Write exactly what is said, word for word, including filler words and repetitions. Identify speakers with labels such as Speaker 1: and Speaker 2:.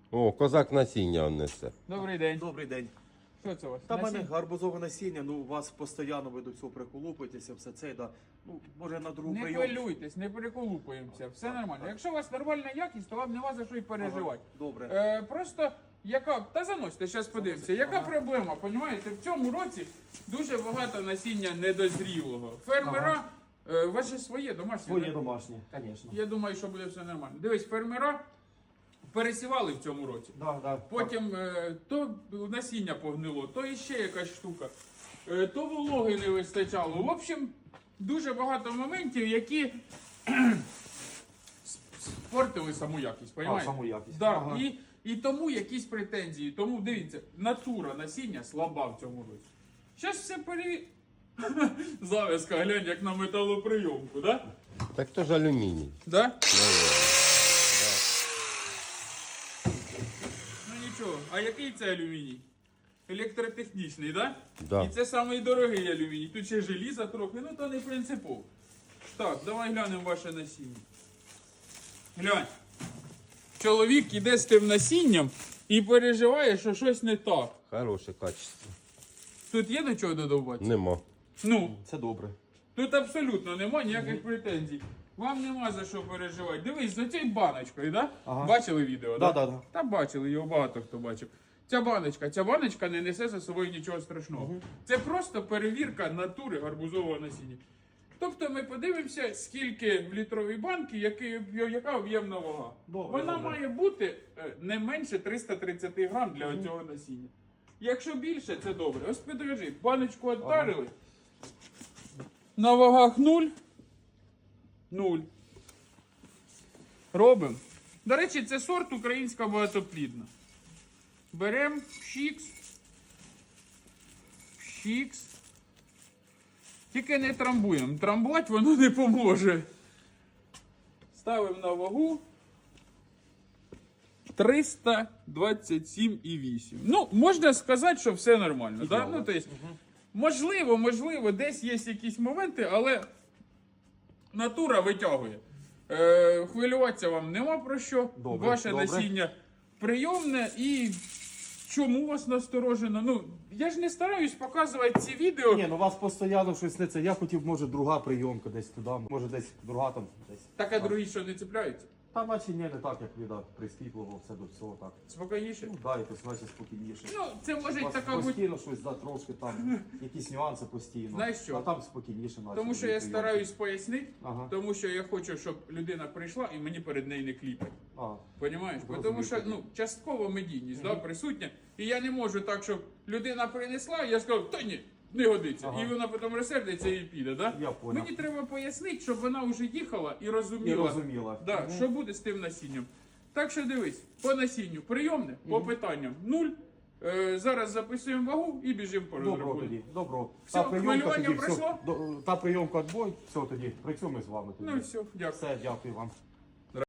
Speaker 1: О, козак насіння он несе.
Speaker 2: Добрий день.
Speaker 3: Добрий день.
Speaker 2: Що це у вас?
Speaker 3: Та в мене
Speaker 2: Насіння?
Speaker 3: гарбузове насіння, ну у вас постійно ви до цього приколупуєтеся, все це, да. Ну, може на другу
Speaker 2: Не
Speaker 3: прийом.
Speaker 2: хвилюйтесь, не переколупуємося, все нормально. Якщо у вас нормальна якість, то вам нема за що й переживати.
Speaker 3: Добре.
Speaker 2: Е, просто яка. Та заносьте, зараз подивимося. Яка проблема? Понімаєте, в цьому році дуже багато насіння недозрілого. Фермера, е, ваше своє домашнє.
Speaker 3: Своє
Speaker 2: да?
Speaker 3: домашнє, звісно.
Speaker 2: Я думаю, що буде все нормально. Дивись, фермера пересівали в цьому році.
Speaker 3: Да, да.
Speaker 2: Потім е, то насіння погнило, то іще якась штука, е, то вологи не вистачало. В общем, дуже багато моментів, які спортили саму якість.
Speaker 3: А,
Speaker 2: Понімаєте?
Speaker 3: саму якість.
Speaker 2: Да.
Speaker 3: Ага.
Speaker 2: І, і тому якісь претензії. Тому дивіться, натура насіння слаба в цьому році. Зараз все пере... Завязка, глянь, як на металоприйомку, да?
Speaker 1: Так то ж алюміній.
Speaker 2: Да? Ну нічого, а який це алюміній? Електротехнічний, так?
Speaker 1: Да.
Speaker 2: І це самий дорогий алюміній. Тут ще желіза трохи, ну то не принципово. Так, давай глянемо ваше насіння. Глянь. Чоловік іде з тим насінням і переживає, що щось не так.
Speaker 1: Хороше качество.
Speaker 2: Тут є до чого додавати?
Speaker 1: Нема.
Speaker 2: Ну,
Speaker 3: Це добре.
Speaker 2: тут абсолютно нема ніяких претензій. Вам нема за що переживати. Дивись, за цією баночкою, да?
Speaker 3: Ага.
Speaker 2: Бачили відео,
Speaker 3: Да,
Speaker 2: да?
Speaker 3: да, да.
Speaker 2: Та бачили, його багато хто бачив. Ця баночка, ця баночка не несе за собою нічого страшного. Це просто перевірка натури гарбузового насіння. Тобто ми подивимося, скільки в літровій банці, який, яка об'ємна вага.
Speaker 3: Добре,
Speaker 2: Вона
Speaker 3: добре.
Speaker 2: має бути е, не менше триста тридцять грам для цього насіння. Якщо більше, це добре. Ось підрежи, баночку віддарили. На вагах нуль. Нуль. Робимо. До речі, це сорт українська багатоплідна. Беремо пшікс. Пшікс. Тільки не трамбуємо. Трамбувати воно не поможе. Ставимо на вагу. триста двадцять сім і вісім. Ну, можна сказати, що все нормально. Да? Ну, то есть, можливо, можливо, десь є якісь моменти, але натура витягує. Е, хвилюватися вам нема про що.
Speaker 3: Добре,
Speaker 2: Ваше
Speaker 3: добре.
Speaker 2: насіння прийомне і чому вас насторожено? Ну, я ж не стараюсь показувати ці відео.
Speaker 3: Ні, ну у вас постійно щось не це. Я хотів, може, друга прийомка десь туди, може десь друга там десь.
Speaker 2: Так, а другі що не цепляються?
Speaker 3: Та наче ні, не так, як віда прискіпливо, все до всього так.
Speaker 2: Спокійніше?
Speaker 3: Ну, да, якось наче спокійніше.
Speaker 2: Ну, це може
Speaker 3: У вас
Speaker 2: така бути.
Speaker 3: постійно щось да, трошки там, якісь нюанси постійно.
Speaker 2: Знаєш що?
Speaker 3: А там спокійніше наче.
Speaker 2: Тому що
Speaker 3: дві
Speaker 2: я
Speaker 3: прийомки.
Speaker 2: стараюсь пояснити,
Speaker 3: Ага.
Speaker 2: тому що я хочу, щоб людина прийшла і мені перед нею не кліпать.
Speaker 3: А,
Speaker 2: Понімаєш? Бо
Speaker 3: Розумію.
Speaker 2: Тому що ну, частково медійність да, присутня. І я не можу так, щоб людина принесла, і я сказав, та ні, не годиться.
Speaker 3: Ага.
Speaker 2: І вона потім розсердиться і піде. Да?
Speaker 3: Я понял.
Speaker 2: Мені треба пояснити, щоб вона вже їхала і розуміла,
Speaker 3: І розуміла.
Speaker 2: Да,
Speaker 3: Мгм.
Speaker 2: що буде з тим насінням. Так що дивись, по насінню прийомне, по питанням нуль. Е, зараз записуємо вагу і біжимо по
Speaker 3: Добро
Speaker 2: розрахунку.
Speaker 3: тоді, добро.
Speaker 2: Все, хвилювання
Speaker 3: все,
Speaker 2: пройшло?
Speaker 3: до- та прийомка відбой, все тоді, працюємо з вами тоді.
Speaker 2: Ну і все, дякую.
Speaker 3: Все, дякую вам.